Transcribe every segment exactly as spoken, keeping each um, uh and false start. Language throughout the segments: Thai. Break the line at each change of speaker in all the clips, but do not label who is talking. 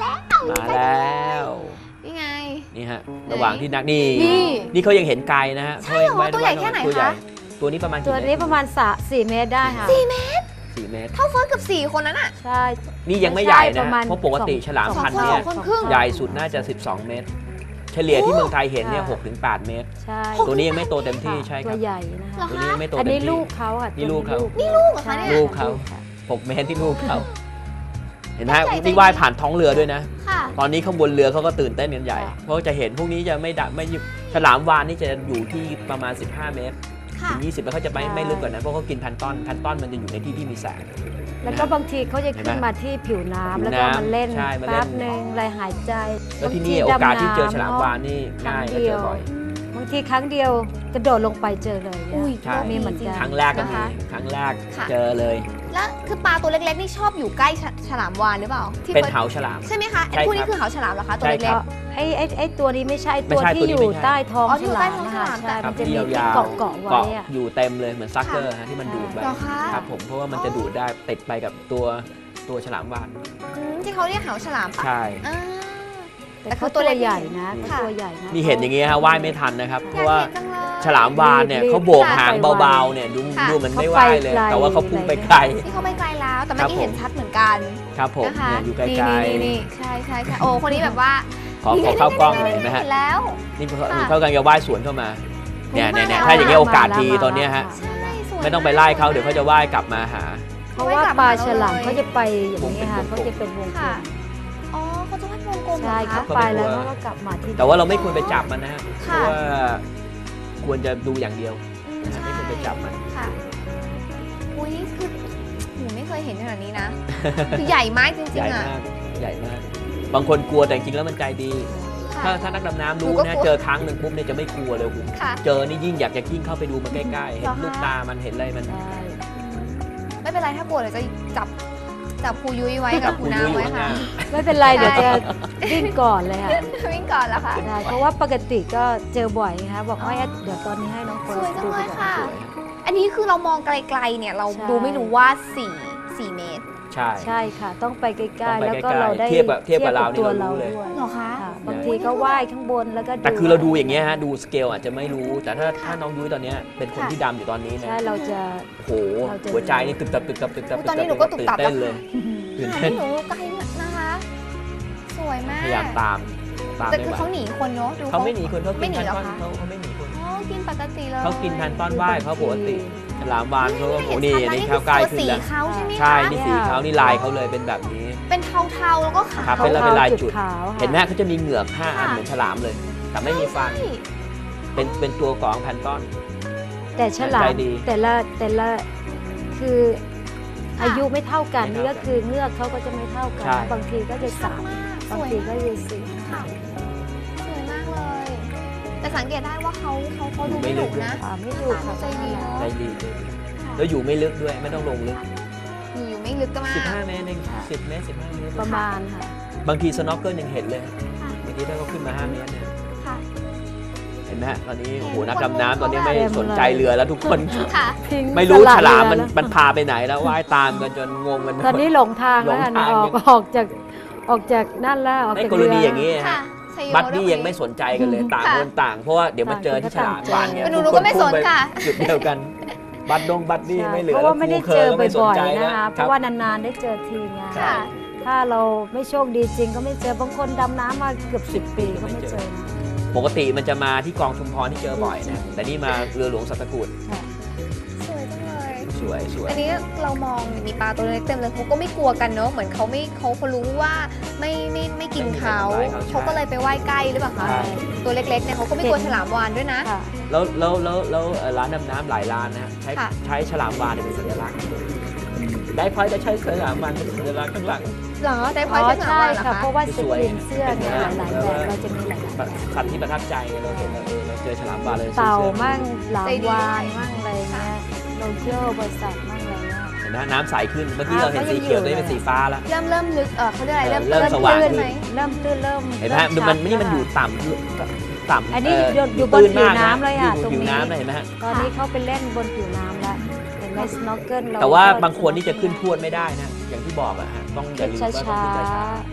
แล้ว
มาแล้ว
นี่ไง
นี่ฮะระหว่างที่นักนี่
นี่
นี่เขายังเห็นไกลนะฮะ
ใช่เหรอตัวใหญ่แค่ไหน
ตัวใญ่
คะ
ตัวนี้ประมาณ
ตัวนี้ประมาณสี่เมตรได้ค่ะ
สี่เมตร
สี่เมตร
เท่าเฟิร์สกับสี่คนนั้นอ่ะ
ใช่
นี่ยังไม่ใหญ่
ป
นะ
ระมาณ
เพราะปกติฉลาม
สอง
พันธุ์
คน
เนี่ย
สองคนครึ่ง
ใหญ่สุดน่าจะสิบสองเมตร เฉลี่ยที่เมืองไทยเห็นเนี่ย
ค่ะ
หกถึงแปดเมตร
ใช่
ตัวนี้ยังไม่โตเต็มที่
ค่ะ
ใช่ค
ตั
รั
ว
บ
ใหญ่นะคะ
ตัวนี้ยังไม่โต
อัน
เต็ม
นี้
ที่
ลูกเขาค่ะ
นี่ลูกเขา
นี่ลูกเหรอคะเนี่ย
ลูกเขา
ค่ะ
หกเมตรที่ลูกเขาเห็นไหมนี่ว่ายผ่านท้องเรือด้วยนะ
ค่ะ
ตอนนี้ข้างบนเรือเขาก็ตื่นเต้นกันใหญ่
ค่ะ
เพราะจะเห็นพวกนี้จะไม่ดัไม่ฉลามวาฬนี่จะอยู่ที่ประมาณสิบห้าเมตร
ค่ะ
ถึงยี่สิบแล้วเขาจะไม่ไม่ลึกกว่านั้นเพราะเขากินแพลนต้อนแพลนต้อนมันจะอยู่ในที่ที่มีแสง
แล้วก็บางทีเขาจะ
เห็น
ขึ้
ไหม
นมาที่ผิวน้ำ
ผิว
แล้วก็
น้ำ
มาเล่น
ใช่มาเล่น
แป๊บหนึ่งอะไรหายใจ
แล้วที่
บง
นี่
ที
โอกาสที่เจอ
ดำน้ำ
ฉลามวาฬนี่ง่าย
ครั้
และ
งเดี
เจ
ย
อ
ว
บ่อย
บางทีครั้งเดียวกระโดดลงไปเจอเลยเนี่ย
อุ้ย
ใช่
มีเหมือนกัน
ครั้งแรกก็
นะ
มี
คะ
ครั้งแรก
ค่ะ
เจอเลย
แล้วคือปลาตัวเล็กๆนี่ชอบอยู่ใกล้ฉฉลามวาฬหรือเปล่าที่
เป็น
ฟิร์ส
เหาฉลาม
ใช่ไหมคะไอ้
ใช่
พวกนี้
ครับ
คือเหาฉลามเหรอคะตัว
ใช่
เล็
ครั
ก
บ
ไอ้ไอ้ไอ้ตัวนี้ไม่ใช่
ไม่
ตัว
ใช่
ที่
ตัวนี้
อยู่
ไม่ใช่
ใต้ท้อง
อ๋อที่อยู่
ฉ
ใต้
ลาม
ท้อง
นะคะ
ฉลาม
ใช่
ครั
มั
บ
นจะ
ที่
มี
ยาว
เกาะ
ๆ
เกาะไว้
เกาะ
อะ
อยู่เต็มเลยเหมือนซักเกอร์ฮะที่มันดูด
ๆ
ไป
เหรอคะ
ครับผมเพราะว่ามันจะดูดได้ติดไปกับตัวตัวฉลามวาฬ
อืมที่เขาเรียกเหาฉลามปะ
ใช่
อ่า
แต่
แต่
เขา
เขาตั
ตัว ว
เล็ก
ใหญ่นะ
ค่ะ
เขาตัวใหญ่นะ
นี่เห็นอย่างงี้ฮะว่ายไม่ทันนะครับ เพ
อยาก
ราะว่า
เห็นจังเลย
ฉลามวาฬเนี่ย
รีบ
เขาโบกหาง
รีบ
เบา
ไว
ๆเนี่ยดู
ค่ะ
ดูเหมันไม่ว่ายเลย
เขาไปไกล
แต่ว่าเขาพุ่งไปไกล
นี่เขาไม่ไกลแล้ว แต่เมื่
ครั
อบ กี้
ผม
เห็นชัดเหมือนกัน
ครับผม
นะคะ
เนี่ยอยู่ไกล
นี่นี่นี่ใช่ใช่ใช่โอ้คนนี้แบบว่า
ๆขอขอเข้ากล้องหน่อยเห็นไหมฮะ
เห็นแล้ว
นี่เขา
ค่ะ
เขากำลังจะว่ายสวนเข้ามาเนี่ย
มา
เนี่ย
แล้ว
ถ้าอย่างเงี้ยโอกาส
มาแล้ว
ดี
มาแล้ว
ตอนเนี้ยฮะ
ใช่สวย
ไม่ต้องไปไล่เขาเดี๋ยวเขาจะว่ายกลับมาหา
เพราะว่าปลาฉลามเขาจะไปอย่างนี้ค่ะ
วงเป็นวงกลม
เขาจะเป็นวงกล
ค่ะ
ม
อ๋อเขาจะวาดวงกลมเหร
ใช่
อ
เขา
คะ
ไปแล้วเขาก็กลับมาที่
แต่ว่าเราไม่ควรไปจับมันนะฮะเพ
ค่ะ
ราะว่าควรจะดูอย่างเดียว
อืม
นะฮะ
ใช่
ไม่ควรไปจับมัน
ค่ะอุ้ยนี่คือหนูไม่เคยเห็นขนาดนี้นะ คือใหญ่มากจริ
ให
ง
ญ่
ๆอ่ะ
มากใหญ่มาก บางคนกลัวแต่จริงๆแล้วมันใจดี
ค่ะ
ถ้าถ้านักดำน้ำ
หนู
รู้
ก็
นะ
กลัว
เจอครั้งหนึ่งปุ๊บเนี่ยจะไม่กลัวเลยโอ้โห
ค่ะ
เจอนี่ยิ่งอยากจะยิ่งเข้าไปดูมันใกล้ๆ เห็
เหร
น
อคะ
ลูกตามันเห็นอะไรมัน
ใช่
ไม่เป็นไรถ้ากลัวเดี๋ยวจะจับจับครูยุ้ยไว้
จั
กับบ ครู
ครู
น้ำ
ยุ้ยอยู่
ไว้ค่ะ
ข้าง
ไม่เป็นไรเดี๋ยวจะวิ่งก่อนเลยค่ะ
วิ่งก่อนแล้วค่ะ
ใช่เพราะว่าปกติก็เจอบ่อยนะคะบอกว่าเดี๋ยวตอนนี้ให้น้องเฟิ
ส
ร์
วย
ส
จัง
ดู
เล
ดี
ย
กว่า
ค่ะ
สวย
อันนี้คือเรามองไกลๆเนี่ยเรา
ใช่
ดูไม่รู้ว่าสี่สี่เมตร
ใช่
ใช่ค่ะ ต้องไปใก
ต้
ล้
อง
ๆ
ไป
แล้วก็
ใกล้ๆ
เราได้
เทียบกับเทียบกับเรานี่
ตัว
เรารู้เลย
ด้วย
เหรอคะ
ค่ะบางทีก็ว่ายข้างบนแล้วก็
แต่คือเราดูอย่างเงี้ยฮะดูสเกลอาจจะไม่รู้ แต่ถ้าถ้าน้องยุ้ยตอนเนี้ยเป็นคน
ค่ะ
ที่ดำอยู่ตอนนี้นะ
ใช่เราจะ
โอ้โห
เราจะ
หัวใจนี่ตึกตับตึกตับตึกตับ
อุ๊ยตอนนี้หนูก็ตุบตับ
ตื่นเต้นเลย ตื่น
ค่ะ
เต้น
นี่หนูไกลนะคะ สวยมาก
พยายามตามตาม
แต่
ไม่
คือ
ไหว
เขาหนีคนเนาะดู
เขาไม่หนีคนเขา
ไม่
กิน
หนี
แพน
เหรอ
ต้อน
คะ
เขาเขาไม่หนีคน
อ๋อกินปกติเลย
เขากินแพนต้อนว่ายเขาปกติฉลามวาฬเขาก็โอ้
เห็
นี่
ชัด
อัน
นะ
นี้
นี่
เข้าใกล้
ตัว
ขึ้น
สี
แล้ว
เขาใช่ไหมคะ
ใช่นี่สีเขานี่ลายเขาเลยเป็นแบบนี้
เป็นเทาๆแล้วก็ขาว
ครับเป็นลายเป็นลายจุด
ขาวค่ะ
เห็นไหมเขาจะมีเหงือกห้าอันเหมือนฉลามเลย แต่ไม่มีฟัน
ใช่
เป็นเป็นตัวของแพนต้อน
แต่ฉลา
ใจ
ม
ดี
แต่ละแต่ละคืออายุไม่เท่ากัน
ไม่
นี่
เท่ากัน
ก็คือเงือกเขาก็จะไม่เท่ากัน
ใช่
บางทีก็จะสาม
ส
บาง
วย
ที
มาก
ก็จะสี่
ค่ะสวยมากเลย แต่สังเกตได้ว่าเขาเขาเขาดู
ไม่
ไม่
ลึ
ดุ
กด้วย
นะ
อ่าไม่ดูค่ะ
ใจดีเนอะ
ใจดีใจดีแล้วอยู่ไม่ลึกด้วยไม่ต้องลงลึก
อยู่อยู่ไม่ลึกก็มาก
สิบห้าเมตรเองสิบเมตรสิบห้าเมตร
ประมาณค่ะ
บางทีสโนว์เกิลยังเห็นเลย
ค่ะ
บางทีถ้าเขาขึ้นมาห้าเมตรเนี่ย
ค่ะ
เห็นไหมฮะตอนนี้โอ้โห
เห็น
นักดำน้ำตอนนี้
คน
ไม่
เต็ม
สนใจ
เลย
เรือแล้วทุกคน
ค่ะ
ทิ้ง
ไม่รู้
สลัด
ฉลามมัน
เรือแล้ว
มันพาไปไหนแล้วว่ายตามกันจนงงกัน
ตอนนี้หลงทางแล้วค่ะ
หลงทาง
ออกออกจากออกจากนั่นแล้วออก
ใน
จาก
กร
เรือ
ณีอย่างนี้
ค่ะ
ฮะ
ชัยโย
บัดดี้
ด้วย
ยังไม่สนใจกันเลยต่าง
ค่ะ
คนต่าง เพราะว่าเดี๋ยวมาเจอที่ฉลามบานเนี่ย
หนูหนูก็ไม่สนค่ะ
จุดเดียวกัน บัดดงบัดดี้
ใช่
ไม่เหลือ
เพราะว่าไม่ได้เจอ
แล้วครูคร์ก็ไม่สน
บ่อย
ใจ
ๆ
แล้
นะคะ
ว
เพราะว่านานๆได้เจอทีไง
ใช่
ค่ะ
ถ้าเราไม่โชคดีจริงก็ไม่เจอบางคนดำน้ำมาเกือบสิบปีก็ไม่เจอนะ
ปกติมันจะมาที่กองชุมพรที่เจอบ่อยนะแต่นี่มาเรือหลวงสัตกูฏ
ค่ะ
สวยจังเลย
สวยสวย
อันนี้เรามองมีปลาตัวเล็กเต็มเลยเขาก็ไม่กลัวกันเนอะเหมือนเขาไม่เขาเขารู้ว่าไม่ไม่ไม่กินเขาเขาก็เลยไปไหว้ใกล้หรือเปล่าคะ
ใช่
ตัวเล็กๆเนี่ยเขาก็ไม่กลัวฉลามวาฬด้วยนะ
ค่ะ
แล้วแล้วแล้วแล้วเอ่อร้านดำน้ำหลายร้านนะฮะใช้
ค่ะ
ใช้ฉลามวาฬเป็นสัญลักษณ์ได้พอยจะใช้ฉลามวาฬเป็นสัญลักษณ์ข้างหลัง
เหรอได้พ
อ๋
อย
อ
เป็นฉลาม
ใช่
วาฬเหรอ
ค่ะ
คะ
เพราะว่าส
สวย
กรีนเสื้อเนี่ยหลายๆแบบเราจะมีหลายๆแบบ
สัตว์ที่ประทับใจไงเราเห็นเราเออเราเจอฉลามวาฬเลย
เต่า
สื้อ
มั่งหลาม
ใจดี
วานมั่งอะไรเงี้ยโลเกียวบริษัทมั่งอะไรเงี้ย
เห็นไหมน้ำใสขึ้นเมื่อกี้
อ่า
เราเห็น
ก็ยั
สี
ง
เขียว
อยู่
ตอนนี้เป็นสีฟ้าแล้ว
เริ่มเริ่มลึกเออเขาเรียกอะไรเริ่ม
เริ่มสว่าง
ตื้น
ขึ้น
ไหม
เริ่มตื้นเริ่ม
เห็นไหม
ริ่
ฮะมันนี่มันอยู่
ชัด
ต่ำต่ำ
อันนี้
เ
อยู่อยู่บน
ตื้มาก
ผิวน้ำเลยอะ
อยู่
ตรง
ผิว
นี้
น้ำนะเห็นไหมฮะ
ตอนนี้เขาไปเล่นบนผิวน้ำแล้วเห็นไหมสโนว์เกิลเรา
แต่ว่า
ก็
บางคนนี่จะขึ้นพรวดไม่ได้นะอย่างที่บอกอะฮะต้องอย่าลืมว่าต้อง
ช้า
ขึ้นช้าๆเพราะ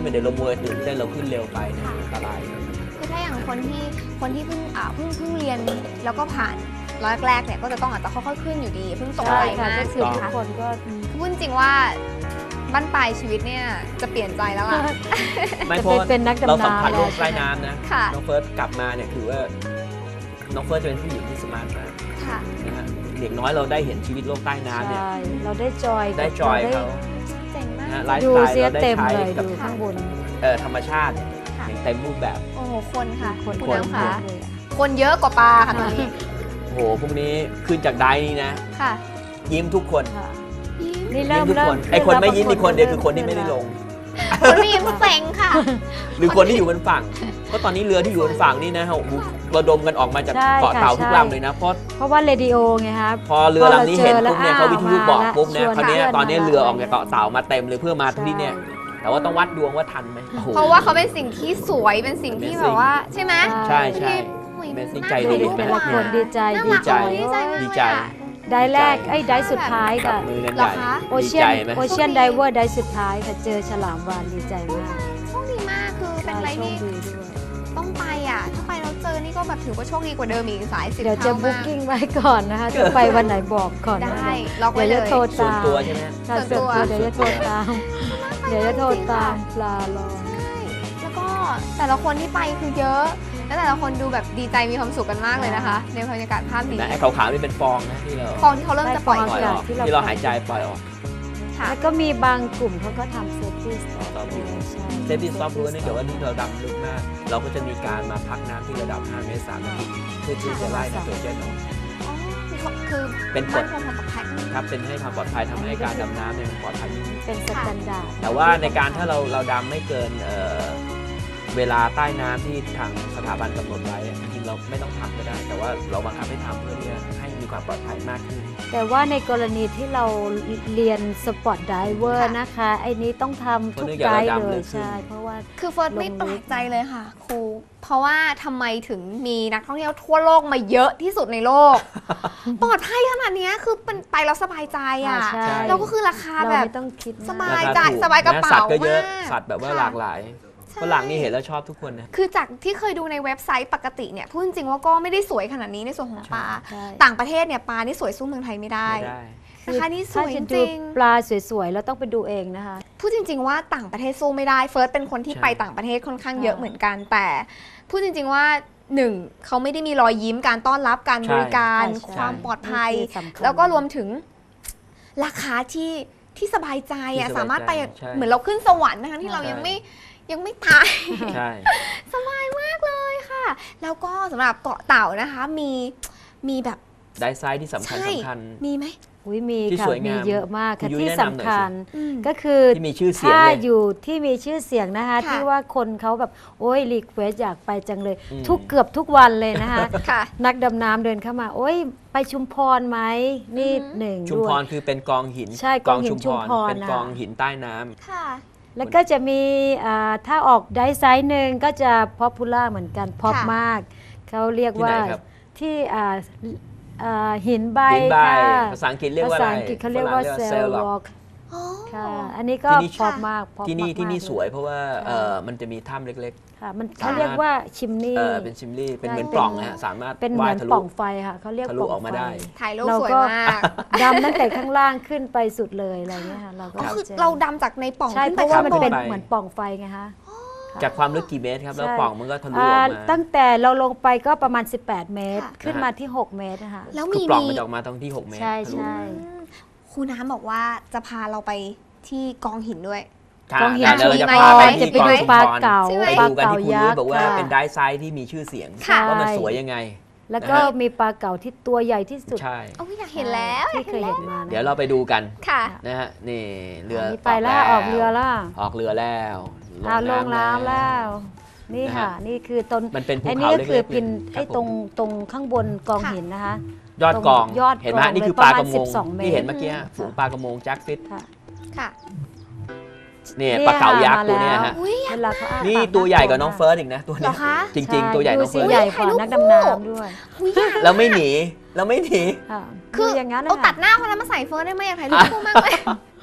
เดี๋ยวเรามัวตื่นเต้นเราขึ้นเร็วไปเนี่ยอันตราย
คือถ้าอย่างคนที่คนที่เพิ่งอ่าเพิ่งเพิ่งเรียนแล้วก็ผ่านร้อยแรกเนี่ยก็จะต้องอาจจะค่อยๆขึ้นอยู่ดีเพิ่งตก
ใช่
ใจ
ค่ะ
มาก
ก็คือ
ใช่ไหม
ทุก
คะ
คนก็
คือพูดจริงว่าบั้นปลายชีวิตเนี่ยจะเปลี่ยนใจแล้วล่ะ
ไม่
จะ
เพราะ
ไป
ว่า
เป็นนัก
เรา
ดำ
สัมผัส
น้ำ
โล
แล้ว
กใต้น้ำนะ
ค่ะ
น้องเฟิร์สกลับมาเนี่ยคือว่าน้องเฟิร์สจะเป็นผู้หญิงที่สมาร์ทมาก
ค่ะ
นะฮะเด็กน้อยเราได้เห็นชีวิตโลกใต้น้ำเนี่ย
ใช่เราได้จอย
ได้จอย
ร
เขา
เจ๋งมาก
นะฮะไลฟ์
ดู
สไตล์
เสีย
เราได้
เต็ม
ใช้
เลย
กับ
ดูข้างบน
เอ่อธรรมชาติเนี่ย
ค่ะ
อย่างเต็มรูปแบบ
โอ้โหคนค่ะ
คน
คุณ
คน
น้ำค่ะ
เลยอะ
คนเยอะกว่าปลาค่ะตอนนี้
โอ้โหพวกนี้ขึ้นจากไดนี่นะ
ค่ะ
ยิ้มทุกคน
ค่ะ
ยิ้ม
นี่
ยิ้
เริ่
ม
ม
ทุก
เริ่
ค
ม
นไอคนไม่ยิ้ม
เริ่
มีคนเดียวคือคนที่
ริ่
ไม่ได้ลง
คนไม่ยิ้มเซ็งค่ะ
หรือคนที่อยู่บนฝั่งเพราะตอนนี้เรือที่อยู่บนฝั่งนี่นะฮะโอ้โหระดมกันออกมาจาก
ใช่
เกาะ
ค่ะ
เต่าทุก
ใช่
ลำเลยนะเพราะ
เพราะว่าเรดิโอไงครับ
พอเรือลำนี้เห็นปุ๊บเนี่ย
พอ
เขา
เรา
วิทยุบอกปุ๊บเนี่ย
เจอแล้ว
คราวเนี้ย
ชวน
ตอนนี้
มา
เรือออก
แล้ว
จากเกาะเต่ามาเต็มเลยเพื่อมาที่เนี่ย แต่ว่าต้องวัดดวงว่าทันไหมโอ้โห
เพราะว่าเขาเป็นสิ่งที่สวยเป็นสิ่งที่แบบว่าใช่ไหม
ใช่ใช่
โอ้ย
Amazing
น่า
ใจ
ดู
ดี
ดิ
ไหม
แต่ละคนดีใจ
น่า
ดี
รัก
ใจ
ดีใจมาก
ดี
เลย
ใจ
อะ
ได้แรกไอ้ได้สุดท้าย
จับ
ค่ะ
มือกัน
เหร
ให
อ
ญ่
คะ
โอ
ดี
เชีย
ใจ
น
ไหม
โอเชียนไดเวอร์ได้สุดท้ายค่ะเจอฉลามวาฬดีใจมาก
โชคดีมากคือเป็นอะไร
โชค
ที่
ดีด้วย
ต้องไปอ่ะถ้าไปแล้วเจอนี่ก็แบบถือว่าโชคดีกว่าเดิมอีกสายสิบ
เดี๋ยวจะ
เท่า
บุ๊
มาก
กิ้งไว้ก่อนนะคะ จะไปวันไหนบอกก่อน
ได้
นะคะ
ล็อกไว้
เดี๋ยว
เล
จะ
ย
โทร
ส่วน
ตาม
ตัวใช่ไหม
ค่ะ
ส่
ส่ว
วน นตัว
ตัวเดี๋ยวจะโทรตาม เดี๋ยวจะโทรตามลารอ
ใช่แล้วก็แต่ละคนที่ไปคือเยอะ แล้วแต่ละคนดูแบบดีใจมีความสุขกันมากเลยนะคะ ในบรรยากาศภาพนี้
นะไอ้ขาวๆนี่เป็นฟองนะที่เรา
ฟองที่เขาเริ่มจะปล่อย
ได้
ปล่อยออก
ที่เรา
ที่เราหายใจปล่อยออก
ค่ะ
แล้วก็มีบางกลุ่มเขาก็ทำเซฟตี้สต็อป
Stop
ใช่
เซฟตี้สต็อปรู้เนื่องจากว่านี่เราดำลึกมาก เราก็จะมีการมาพักน้ำที่ระดับห้าเมตรสามนาทีเพื่อที่จะไล่ไนโตรเจนออก
อ๋อมีเขาคือ
เป็นก
มั่
ฎ
นคงความปลอดภัย
ครับเป็นให้ความปลอดภัยทำให้การดำน้ำเนี่ยปลอดภัยยิ่งขึ้น
เป็นสแตนดาร์ด
แต่ว่าในการถ้าเราเราดำไม่เกินเอ่อเวลาใต้น้ำที่ทางสถาบันกำหนดไว้อะจริงๆเราไม่ต้องทำก็ได้ แต่ว่าเราบังคับให้ทำเพื่อที่จะให้มีความปลอดภัยมากขึ้น
แต่ว่าในกรณีที่เราเรียนสปอร์ตไดเวอร์นะคะ ไอ้นี้ต้องทำทุกไกด์เลยใช่ เพราะว่า
คือเฟิร์สไม่
ลงลึก
แปลกใจเลยค่ะครูเพราะว่าทำไมถึงมีนักท่องเที่ยวทั่วโลกมาเยอะที่สุดในโลก ปลอดภัยขนาดเนี้ยคือเป็นไปแล้วสบายใจอ่ะ
ใช่
แล้วก็คือราคา
เรา
แบบ
ไม่ต้องคิด
ส
มาก
บาย
รค
ใจ
ถู
สบายกระเป๋า
สัตว์ก็เยอะ
มาก
สัตว์แบบว่า
ค่ะ
หลากหลาย
ใช่
ฝรั่งนี่เห็นแล้วชอบทุกคนนะ
คือจากที่เคยดูในเว็บไซต์ปกติเนี่ยพูดจริงๆว่าก็ไม่ได้สวยขนาดนี้ในส่วนของปลา
ใช่
ต่างประเทศเนี่ยปลานี่สวยสู้เมืองไทยไม่ได้
ไม่ได้
นะคะนี่ส
ถ้า
วยจ
จะดู
ริง
ปลาสวยๆเราต้องไปดูเองนะคะ
พูดจริง ๆ ว่าต่างประเทศสู้ไม่ได้เฟิร์สเป็นคนที่
ใช่
ไปต่างประเทศค่อนข้างเยอะ
ค่ะ
เหมือนกัน แต่พูดจริง ๆว่าหนึ่งเขาไม่ได้มีรอยยิ้มการต้อนรับการบริการ
ใช่ใช่
ความปลอดภัย
นี่คือสำคัญ
แล้วก็รวมถึงราคาที่ที่สบายใจอ่ะ
ที่สบายใจ
สามารถไป
ใช่
เหมือนเราขึ้นสวรรค์นะคะที่เรายัง
ใช่
ไม่ยังไม่ตาย
ใช่
สบายมากเลยค่ะ แล้วก็สำหรับเกาะเต่านะคะมีมีแบบ
ได้ไซส์ที่สำคัญ
ใช่
สำคัญ
มีไหม
อุ้ยมี
ที่
ค่ะ
สวยงาม
มีเยอะมาก
คุ
ค่ะ
ณยุ้ย
ที่
แนะนำหน่อย
สำคัญ
อืม
ก็คือ
ที่มีชื่อเสียง
ถ้า
เลย
อยู่ที่มีชื่อเสียงนะคะ
ค่ะ
ที่ว่าคนเขาแบบโอ้ยรีเควสอยากไปจังเลย
อืม
ทุกเกือบทุกวันเลยนะคะ
ค่ะ
นักดำน้ำเดินเข้ามา โอ้ยไปชุมพรไหมนี่
อือหือ
หนึ่ง
ชุม
ด้ว
พ
ย
รคือเป็นกองหิน
ใช่กองหินชุมพร
เป็น
น่ะ
กองหินใต้น้ำ
ค่ะ
แล้วก็จะมีอ่าถ้าออกไดไซน์หนึ่งก็จะพ o p ปูล่าเหมือนกันพอป
ค่ะ
มาก เขาเรียก
ที่
ว่า
ไหนครับ
ที่อ่าอ่าหินใบ
หินใบ
ค่ะ
ภาษาอังกฤษเรียก
ภา
ว่าอะไร
ษาอังกฤษเขาเรียกว่า
ฝง
เซลล์วอล์ก
อ๋อ
ค่ะ อันนี้ก็
ที่นี่
พอปมาก pop
ที่นี่
มากๆ
ที่นี่
เล
สวยเพราะว่าเอ่อมันจะมีถ้ำเล็ก
ค่ะมันเขาเรียกว่าชิม
ๆ
นี่
เออเป็นชิมลี่เป็น
ใช่
เหมือน
เป็น
ปล่องนะฮะสามารถ
เป็นเหมื
ว่าย
อน
ทะ
ป
ลุ
ล่องไฟค่ะเขาเรียก
ทะ
ป
ลุ
ล่อง
ออกมา
ไฟ
ได้
ถ่ายรูป
เรา
สวย
ก็
มาก
ดำตั้งแต่ข้างล่างขึ้นไปสุดเลยอะไรเงี้ยค่ะเราก็
ก็คือ
จะ
เราดำจากในปล่อง
ใช่
ขึ้น
เพ
ไป
ราะว่า
ข้าง
มัน
บ
เป็น
น
ไป
เหมือนปล่องไฟไงคะ
จากความลึกกี่เมตรครับแล้ว
ใช่
ปล่องมันก็ทะลุอ
อ่า
อกมา
ตั้งแต่เราลงไปก็ประมาณ สิบแปด เมตร
ค่ะ
ขึ้นมาที่ หก เมตรนะคะ
แล้ว
คื
มี
อปล่อง
มี
มันจะออกมาตรงที่หกเมตร
ใช่
ทะลุ
ใช่
อืมครูน้ำบอกว่าจะพาเราไปที่กองหินด้วย
ค่ะ
กองหิน
เดี๋ยวเราจะ
มี
พา
ไหม
ไป
จะ
ที่
ไป
กอง
ดู
ชุม
ปลา
พร
เก๋า
ใช่ไหม
ไป
ปลา
ดูกัน
เก๋า
ที่คุณ
ยั
นุ้ย
กษ์
บอกว่า
ค่ะ
เป็นได้ไซส์ที่มีชื่อเสียง
ค่ะ
ว่ามันสวยยังไง
แล้วก็
นะฮะ
มีปลาเก๋าที่ตัวใหญ่ที่สุด
ใช่
โอ้ยอยากเห็นแล้ว
ที่เคยเห็นมานะ
เดี๋ยวเราไปดูกัน
ค่ะ
นะฮะนี่เรือ
อันนี้ไปแล้วออกเรือแล้ว
ออกเรือแล้ว
อ่าลงน้ำแล้ว นี่
นะฮะ
ค่ะ นี่คือต้น
มันเป็นภู
อัน
เขา
นี้ก็
เล็กๆ
คือพิน
เลย
ไอ้
ครับ
ตรง
ผม
ตรงข้างบนกอง
ค่ะ
หินนะคะ
ยอดกอง
ยอดกอง
เห็นไหมนี่คือ
เลย
ปลาก
ประ
ระ
มาณ
มง
สิบสองเมตร
ที่เห็นเมื่อกี้
ค่ะ
ฝูงปลากระมงแจ็คฟิต
ค่ะ
ค่ะ
เนี่ย
เนี่ย
ปลาเก๋ายักษ์
มา
ตัวเนี้ย
แล้ว
ฮะ
อุ้ย
เวลาเขาอ้า
นี่
ปาก
ตัวใหญ่กว่า
า
น้องเฟิร์สอีกนะตัว
เหร
เนี้
อย คะ
จริง ๆ ตัวใหญ่น้องเฟิร์ส
ดูสิใหญ่กว่านักดำน้ำด้วย
อุ้ยอยาก
เราไม่หนีเราไม่หนี
ค่ะ
คือ
ดูอย่างนั้นนะ
เอาตัด
คะ
หน้าคนนั้นมาใส่เฟิร์สได้ไหมอยากถ่ายรูปคู่มากเลย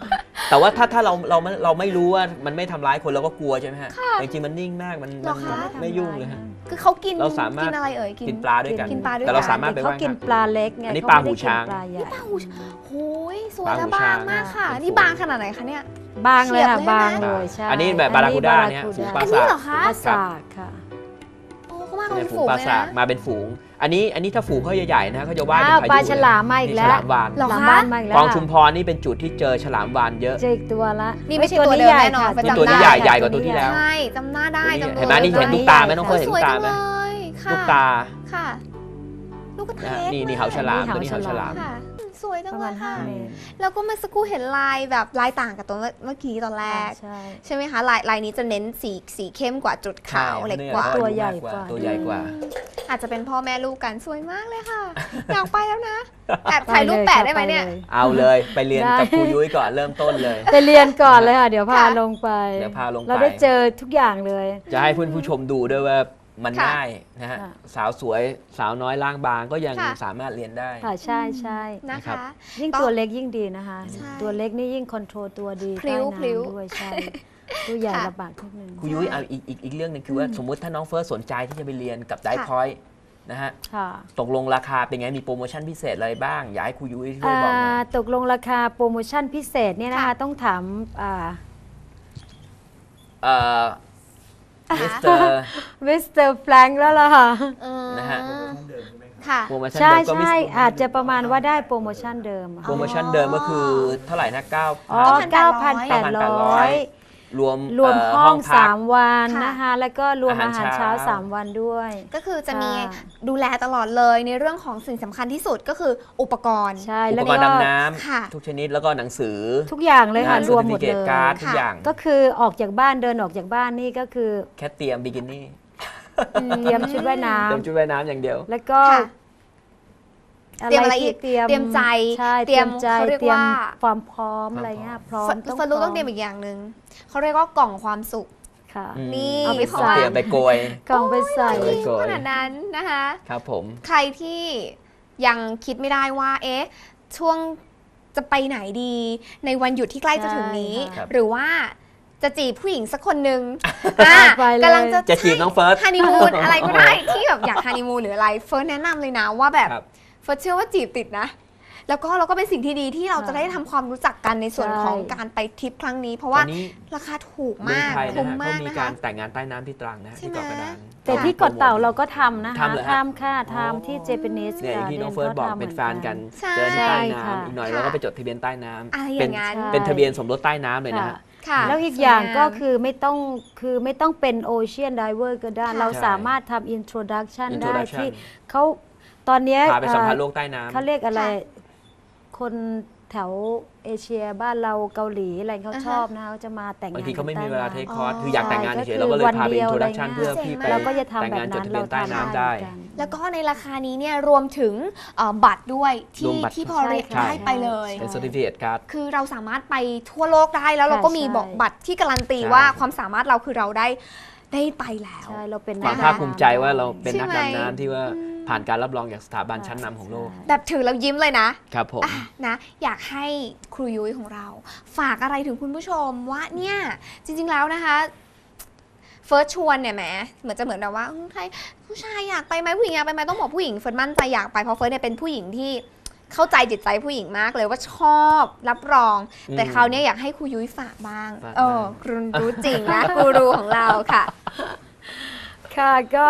แต่ว่าถ้าถ้าเราเราไม่เราไม่รู้ว่ามันไม่ทำร้ายคนเราก็กลัวใช่ไหมฮะแต่จริงๆมันนิ่งมากมัน
เหร
มั
อน คะ
ไม่ยุ่งเลยฮะ
คือเขากิน
เราสามารถ
กินอะไรเอ่ย
กินปลาด้วยกัน
กินปลาด้วยกัน
แต่เราสามารถไป
เขา
ว่าย
กินปลาเล็กไง
อันนี้
เข
ปลา
ไม่
หู
ได้กิน
ช้าง
ปลาใหญ่
ปลาหูโอ้ยสวย
ปลา
และ
หู
บา
ช้าง ง
มากค่ะ
เป็น
นี่
ฝูง
บางขนาดไหนคะเนี่ย
บางเลยค่ะ
เฉียบเลย
บาง
นะ
เลยใช่
อันนี้แบบบาราคูด้าเนี่ย
อั
ฝูง
บ
ปลา
อันนี้
สาก
เหรอคะ
ปลาสากค่ะ
โอ้เขามากัน
เนี่
เป็
ย
น
ฝู
ฝู
ง
ง
ปลา
เลย
สาก
นะ
มาเป็นฝูง อันนี้อันนี้ถ้าฝูงเขาใหญ่ๆนะเขาจะว่าย
อ้า
เป็น
ว
พายุ
ปลาฉลาม
เย
มาอีก
นี่
แล้ว
ฉลามวาน
เหรอ
หลัง
คะ
บ้านมาอีกแล้ว
คลอง
ค่ะ
ชุมพรนี่เป็นจุดที่เจอฉลามวานเยอะ
เจออีกตัวละ
นี่ไม่ใช่
อ้
ตัวเดิม
ใหญ่
แน่นอน
ค่ะ
จำได้
ตัวนี้ใหญ่ใหญ่กว่าตัวที่แล้ว
ใช่จำหน้าได้จำ
เห็นไหมนี่เห็นลูกตาไหมน้องเฟิร์สเห็น
ส
ลู
วย
กตา
จัง
ไหม
เลยค่ะ
ลูกตา
ค่ะ ลูกกระ
นะ
เท
ฮะ
ก
นี่นี่เหาฉลามตัวนี้เหาฉลาม
ค่ะสวยจัง
ประ
เล
มาณ
ย
ห้า
ค่ะ
เมตร
แล้วก็เมื่อสักครู่เห็นลายแบบลายต่างกับตัวเมื่อกี้ตอนแรก
ใช่
ใช่ไหมคะลายลายนี้จะเน้นสีสีเข้มกว่าจุดขาว
ใช่
เล็กกว่า
ตัวใหญ่กว่า
ตัวใหญ่กว่า
อาจจะเป็นพ่อแม่ลูกกันสวยมากเลยค่ะ อยากไปแล้วนะแอบถ่ายรูปแปะได้ไหมเนี่ย
ปล
เอาเลยไปเรียน
ได้
กับครูยุ้ยก่อนเริ่มต้นเลย
ไปเรียนก่อนเลยค่ะ เดี๋ยวพา
ค่ะ
ลงไป
เดี๋ยวพาลงไป
เราได้เจอทุกอย่างเลย
จะให้เพื่อนผู้ชมดูด้วยว่ามัน
ค่ะ
ง่ายนะฮะ
ค่ะ
สาวสวยสาวน้อยร่างบางก็ยัง
ค่ะ
สามารถเรียนได้
ค่ะใช่ใช่
นะ
นะครั
คะ
บ
ยิ่ง
ต้อง
ตัวเล็กยิ่งดีนะคะ
ใช่
ตัวเล็กนี่ยิ่งคอนโทรลตัวดี
พลิ้
ใต้
วพลิ้ว
น้ำด้วยใช่ตัวใหญ่
ค่ะ
ลำบากนิดนึง
ครูยุ้ยเอาอีกอีกอีกเรื่องหนึงคือว่าสมมุติถ้าน้องเฟิร์สสนใจที่จะไปเรียนกับได
ค่ะ
พอยต์นะฮะ
ค่ะ
ตกลงราคาเป็นไงมีโปรโมชั่นพิเศษอะไรบ้าง อยากให้ครูยุ้ยช่วยบอกหน่อย
อ่าตกลงราคาโปรโมชั่นพิเศษเนี่ยนะคะ
ค่ะ
ต้องถามอ่า
เอ่อมิสเตอร์
มิสเตอร์แฟรงค์แล้วล่ะค่ะ
อืม
นะฮะ
ค่ะ
โปรโมชั่น
ใช่
เดิมก็มิ
ใช่
ส
อาจจะประมาณว่าได้โปรโมชั่นเดิมอะ
โปรโมชั่นเดิมก็คือเท่าไหร่นะเก้า
อ๋อ
เก้า
9,800
พันแปดร้อย
รวม
รวม
เ
ห้อง
พัก
สามวัน
ค่ะ
นะคะ แล้วก็รวมอา
อา
หา
หาร ร
เช้า
เช้า
สามวันด้วย
ก็คือจะมี
ค่ะ
ดูแลตลอดเลยในเรื่องของสิ่งสำคัญที่สุดก็คืออุปกรณ์
ใช่
อุ
แล้
ป
ว
กรณ์
ก็
ดำน้
ค่ะ
ำทุกชนิดแล้วก็หนังสือ
ทุกอย่างเลยค่ะ
นะ
รวมหมด
เซอ
เล
ร์ติฟิ
ย
เคตการ์ดทุก
ค่ะ
อย่าง
ก็คือออกจากบ้านเดินออกจากบ้านนี่ก็คือ
แค่เตรียมบิกินี่
เตรียมชุดว่ายน้
เตรียมชุดว่ายน้ำอย่างเดียว
ำแล้วก็
ค่ะ เตรียมอะไรอีก
ที่เตรียม
เตรียมใจ
ใช่
เตรียม
ใจ
เขาเรียก
เตรียม
ว่า
ความพร้อมอะไรเงี้ยพร้อม
ฟฟรู้ต้องเตรียมอีกอย่างหนึ่งเขาเรียกว่ากล่องความสุข
ค่ะ
อืม
นี่
เอาไป
เพราะ
ใส่
ว่า
เตรียมไปโกย
กล่องไปใส่
โอ้ย
ขนาดนั้นนะคะ
ครับผม
ใครที่ยังคิดไม่ได้ว่า เอ๊ะ ช่วงจะไปไหนดี ในวันหยุดที่ใกล้จะถึงนี้
ใช่ค่ะ
หรือว่าจะจีบผู้หญิงสักคนหนึ่งอ่ะ
ไปเลย
กำลังจะ
จะจีบน้องเฟิร์ส
ฮันนีมูนอะไรก็ได้ที่แบบอยากฮันนีมูนหรืออะไร เฟิร์สแนะนำเลยนะว่าแบบ
ครับ
เฟิร์สเชื่อว่าจีบติดนะ แล้วก็เราก็เป็นสิ่งที่ดีที่เราจะได้ทำความรู้จักกันในส่วน
ใช่
ของการไปทริปครั้งนี้ เพราะ
ต
ว่า
อนนี้
ราคาถูก
เมือง
มาก
ไทยนะ
คุ้ม
ฮะ
มา
เขา
ก
มี
นะ
กา
คะ
รแต่งงานใต้น้ำที่ตรังนะฮะ
ใช่
ที่
ไหม
เกาะกระดาน
แต่ที่เกาะเต่าเราก็ทำนะคะ
ทำเหรอฮะ
ทำค่ะ
อ๋อ
ทำที่เจแปนิส
เนี่ยอย่างที่น้องเฟิร์สบอกเป็นแฟนกัน
ใช่
เจอที่ใต้
ค่ะ
น้ำอีกหน่อย
ค่ะ
เราก็ไปจดทะเบียนใต้น้ำ
อะไรอ
เป็น
ย่างนั้น
ใช่
เป็นทะเบียนสมรสใต้น้ำเลยนะฮะ
ค่ะ
แล้วอีกอย่าง
สวม
ก็คือไม่ต้องคือไม่ต้องเป็นโอเชียนไดเวอร์ก็ได้
ค่ะ
เราสามารถทำอินโทรดักชันได้
Introduction
ที่เขาตอนเนี้ย
พาไปสัมผัส
เอ่อ
โลกใต้น้ำ
เขาเรียกอะไร
ค่ะ
คนแถวเอเชียบ้านเราเกาหลีอะไรเขา
อ่าฮะ
ชอบนะเขาจะมาแต่งงาน
บางทีเขาไม่มี
ใต้
เวลาเทค
น้ำ
คอร์ส
อ๋อ
คืออยากแต่งงานเฉยๆ
ใช่
เราก็เลยพาไป
ก็คือ
อิน
วัน
โทร
เดียว
ดักชัน
อะไรเงี้ย
เพื่อพี่ไป
เราก็จะทำ
แต่ง
แบบ
งานจด
นั้น
ทะเบี
เรา
ยนใต้
ทำ
น้ำได้
เหมือนกัน
แล้วก็ในราคานี้เนี่ยรวมถึงเอ่อบัตรด้วย
ร
ที่
วมบัตร
ที่พอเรียก
ใช่
ได้ไปเลย
เป็น certificate card
คือเราสามารถไปทั่วโลกได้แล้วเราก็
ใช่
มี
ใช่
บอกบัตรที่การันตี
ใช่
ว่าความสามารถเราคือเราได้ได้ไปแล้ว
ใช่เราเป็น
ความ
นัก
ภาคภูมิใจว่าเราเป็น
ใช่
นัก
ไหม
ดำน้ำที่ว่าผ่านการรับรองจากสถาบันชั้นนำของโลก
แบบถือแล้วยิ้มเลยนะ
ครับผม
อ่ะนะอยากให้ครูยุ้ยของเรา ฝากอะไรถึงคุณผู้ชมว่าเนี่ยจริงๆแล้วนะคะเฟิร์สชวนเนี่ยแหมเหมือนจะเหมือนแบบว่าอืมใครผู้ชายอยากไปไหมผู้หญิงอยากไปไหมต้องบอกผู้หญิงเฟิร์สมั่นใจอยากไปเพราะเฟิร์สเนี่ยเป็นผู้หญิงที่เข้าใจจิตใจผู้หญิงมากเลยว่าชอบรับรอง
อืม
แต่คราวเนี้ยอยากให้ครูยุ้ยฝากบ้าง
ฝาก
เออ
บ้าง
ครูรู้จริงนะ ครูรูของเราค่ะ
ค่ะก็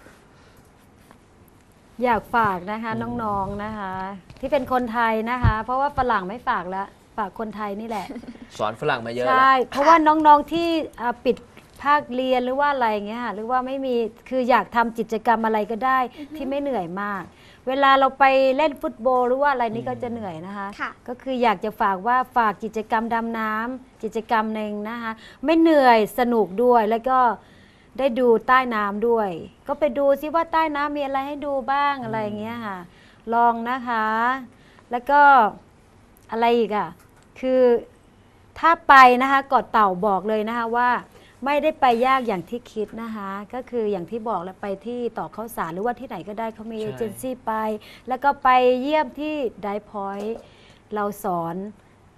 อยากฝากนะคะน้องๆนะคะ ที่เป็นคนไทยนะคะ เพราะว่าฝรั่งไม่ฝากแล้วฝากคนไทยนี่แหละ
สอนฝรั่งมาเยอะ
ใช่ เพราะว่าน้องๆที่อ่าปิดภาคเรียนหรือว่าอะไรเงี้ยค่ะหรือว่าไม่มีคืออยากทำกิจกรรมอะไรก็ได้ที่ไม่เหนื่อยมาก เวลาเราไปเล่นฟุตบอลหรือว่าอะไรนี่ก็จะเหนื่อยนะคะ
ค่ะ
ก็คืออยากจะฝากว่าฝากกิจกรรมดำน้ำกิจกรรมหนึ่งนะคะ ไม่เหนื่อยสนุกด้วยแล้วก็ได้ดูใต้น้ำด้วย ก็ไปดูซิว่าใต้น้ำมีอะไรให้ดูบ้างอะไรอย่างเงี้ยค่ะ ลองนะคะ แล้วก็อะไรอีกอ่ะคือถ้าไปนะคะเกาะเต่าบอกเลยนะคะว่า ไม่ได้ไปยากอย่างที่คิดนะคะ ก็คืออย่างที่บอกแล้วไปที่ต่อข้าวสารหรือว่าที่ไหนก็ได้เขามี
ใช่
เอเจนซี่ไป แล้วก็ไปเยี่ยมที่ไดพอยต์เราสอน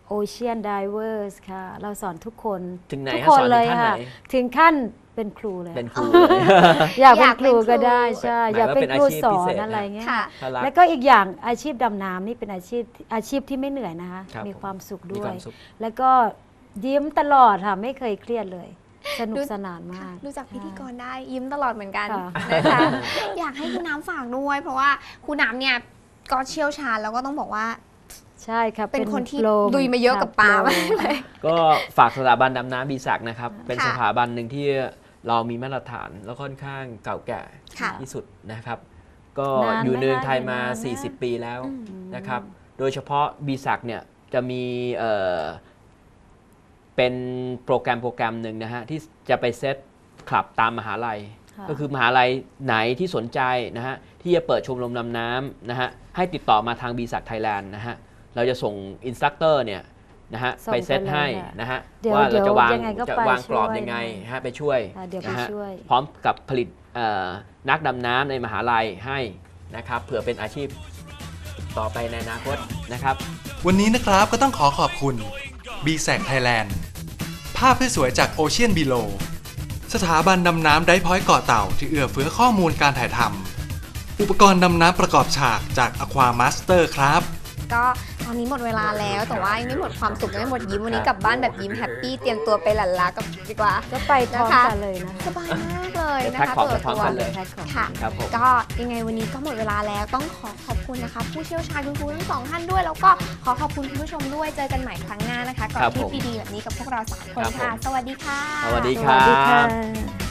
Ocean Divers ค่ะ เราสอนทุกคน
ถึงไหน
ทุก
ฮะ
คน
สอนถึง
เลย
ขั้นไหน
ค่ะ ถึงขั้นเป็นครูเลย
เป็นครูเลย
อยากเป็น
อยาก
ครู
เป็นครู
ก็ได้ใช่
หมาย
อยาก
ว่า
เป็น
เป็น
ครู
อาชีพ
สอ
พิเศ
น
ษ
อะไรเงี้ย
ค่ะ
ถ้ารัก
แล้วก็อีกอย่างอาชีพดำน้ำนี่เป็นอาชีพอาชีพที่ไม่เหนื่อยนะคะ
ครับ
มีความสุข
มี
ด้
คว วาย มสุข
แล้วก็ยิ้มตลอดค่ะ ไม่เคยเครียดเลย สนุกสนานมาก
ดูจากพิธีกรได้ยิ้มตลอดเหมือนกัน
ค่ะ
นะคะ อยากให้คุณน้ำฝากด้วย เพราะว่าคุณน้ำเนี่ยก็เชี่ยวชาญแล้วก็ต้องบอกว่า
ใช่ครับ
เป็นคนที่
โปร
ลุยมาเยอะกับปลา
โปร
มากเลย
ก็ฝากสถาบันดำน้ำบีศักดิ์นะครับ เป็น
ค่ะ
สถาบันหนึ่งที่เรามีมาตรฐานแล้วค่อนข้างเก่าแก่
ค่ะ
ที่สุดนะครับ ก็
นานไหม
อยู่ในเมืองไทย
คะ
มา
อยู่นานไหม
สี่สิบ ปีแล้ว
อืม
นะครับ โดยเฉพาะบีศักดิ์เนี่ยจะมีเอ่อเป็นโปรแกรมโปรแกรมหนึ่งนะฮะที่จะไปเซตคลับตามมหาลัย
ค่ะ
ก็คือมหาลัยไหนที่สนใจนะฮะที่จะเปิดชมรมดำน้ำนะฮะให้ติดต่อมาทางบีศักดิ์ไทยแลนด์นะฮะเราจะส่งอินสตรัคเตอร์เนี่ยนะฮะ
ส่ง
ไปเซต
ไปเลย
ให้
ค่ะ
นะฮะ
เดี๋ยว
ว่าเราจะวาง
เดี๋ยวยังไงก็
จะ
ไป
วางกรอบ
ช่วย
ยังไง
นะ
ฮะไปช่วย
อ่ะเดี๋ยวไป
นะฮะ
ช่วย
พร้อมกับผลิตเอ่อนักดำน้ำในมหาลัยให้นะครับเผื่อเป็นอาชีพต่อไปในอนาคตนะครับ
วันนี้นะครับก็ต้องขอขอบคุณ b ี เอ ซี Thailand ภาพสวยๆจาก Ocean Below สถาบันดำน้ำไดพอยต์เกาะเต่าที่เอื้อเฟื้อข้อมูลการถ่ายทำอุปกรณ์ดำน้ำประกอบฉากจาก Aqua Master ครับ
ก็ตอนนี้หมดเวลาแล้วแต่ว่ายังไม่หมดความสุขยังไม่หมดยิ้มวันนี้กลับบ้านแบบยิ้มแฮปปี้เตรียมตัวไปหลั่นลากับดีกว่า
ก็ไปพร้อม
นะคะ
กันเลยนะ
สบายมากเลยนะ
แพ็ค
คะ
ของ
เปิด
พร้อม
ตัว
กันเลย
แพ็คของ
ค่ะ
ครับผม
ก็ยังไงวันนี้ก็หมดเวลาแล้วต้องขอขอบคุณนะคะ ผู้เชี่ยวชาญคุณครูทั้งสองท่านด้วย แล้วก็ขอขอบคุณคุณผู้ชมด้วยเจอกันใหม่ครั้งหน้านะคะกับ
ครับ
ทริ
ผ
ป
ม
ดีๆแบบนี้กับพวกเราสามคน
ครับ
ค่ะ
ผม
สวัสดีค่ะ
สวัสดี
ส
ค
วั
รั
สดีค่ะ
บ